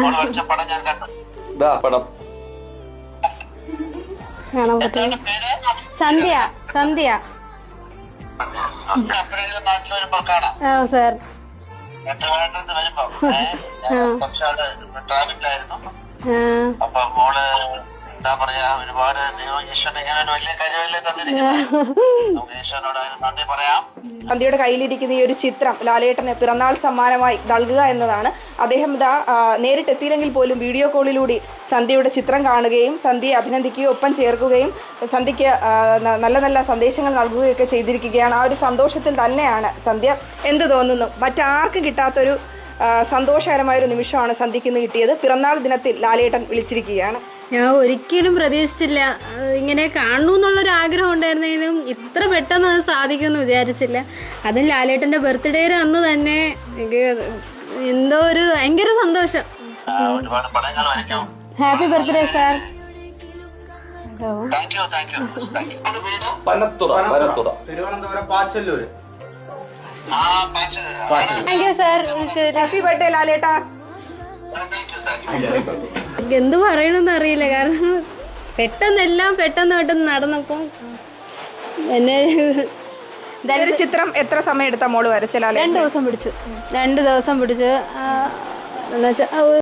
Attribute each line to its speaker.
Speaker 1: പടം
Speaker 2: കാണാൻ പറ്റും. സന്ധ്യ സന്ധ്യ. ആ സാർ.
Speaker 3: അപ്പൊ മോള് എന്താ പറയാ, ഒരുപാട് ദൈവം ഈശ്വരൻ ഇങ്ങനെ ഒരു വലിയ കഴിവല്ലേ തന്നിരിക്കുന്നത്. നമുക്ക് ഈശ്വരനോട് അതിന് നന്ദി പറയാം.
Speaker 4: സന്ധ്യയുടെ കയ്യിലിരിക്കുന്ന ഈ ഒരു ചിത്രം ലാലേട്ടന് പിറന്നാൾ സമ്മാനമായി നൽകുക എന്നതാണ്. അദ്ദേഹം ഇതാ നേരിട്ടെത്തിയില്ലെങ്കിൽ പോലും വീഡിയോ കോളിലൂടെ സന്ധ്യയുടെ ചിത്രം കാണുകയും സന്ധ്യയെ അഭിനന്ദിക്കുകയും ഒപ്പം ചേർക്കുകയും സന്ധ്യയ്ക്ക് നല്ല നല്ല സന്ദേശങ്ങൾ നൽകുകയൊക്കെ ചെയ്തിരിക്കുകയാണ്. ആ ഒരു സന്തോഷത്തിൽ തന്നെയാണ് സന്ധ്യ. എന്ത് തോന്നുന്നു? മറ്റാർക്കും കിട്ടാത്തൊരു സന്തോഷകരമായൊരു നിമിഷമാണ് സന്ധ്യയ്ക്ക് ഇന്ന് കിട്ടിയത്. പിറന്നാൾ ദിനത്തിൽ ലാലേട്ടൻ വിളിച്ചിരിക്കുകയാണ്.
Speaker 2: ഞാൻ ഒരിക്കലും പ്രതീക്ഷിച്ചില്ല. ഇങ്ങനെ കാണണു എന്നുള്ളൊരു ആഗ്രഹം ഉണ്ടായിരുന്നെങ്കിലും ഇത്ര പെട്ടെന്ന് അത് സാധിക്കുമെന്ന് വിചാരിച്ചില്ല. അതും ലാലേട്ടൻ്റെ ബർത്ത്ഡേയുടെ അന്ന് തന്നെ എനിക്ക് എന്തോ ഒരു ഭയങ്കര സന്തോഷം. Happy birthday sir.
Speaker 5: Thiruvananthapuram Pachalloor.
Speaker 2: Thank you sir.
Speaker 4: Happy birthday ലാലേട്ടാ.
Speaker 2: എന്ത് പറയണമെന്ന് അറിയില്ല. കാരണം പെട്ടെന്ന് നടന്നപ്പം എന്നെ
Speaker 4: ഒരു ചിത്രം എത്ര സമയം എടുത്ത മോള് വരച്ച?
Speaker 2: 2 ദിവസം പിടിച്ചു. 2 ദിവസം പിടിച്ച് എന്നുവെച്ചാൽ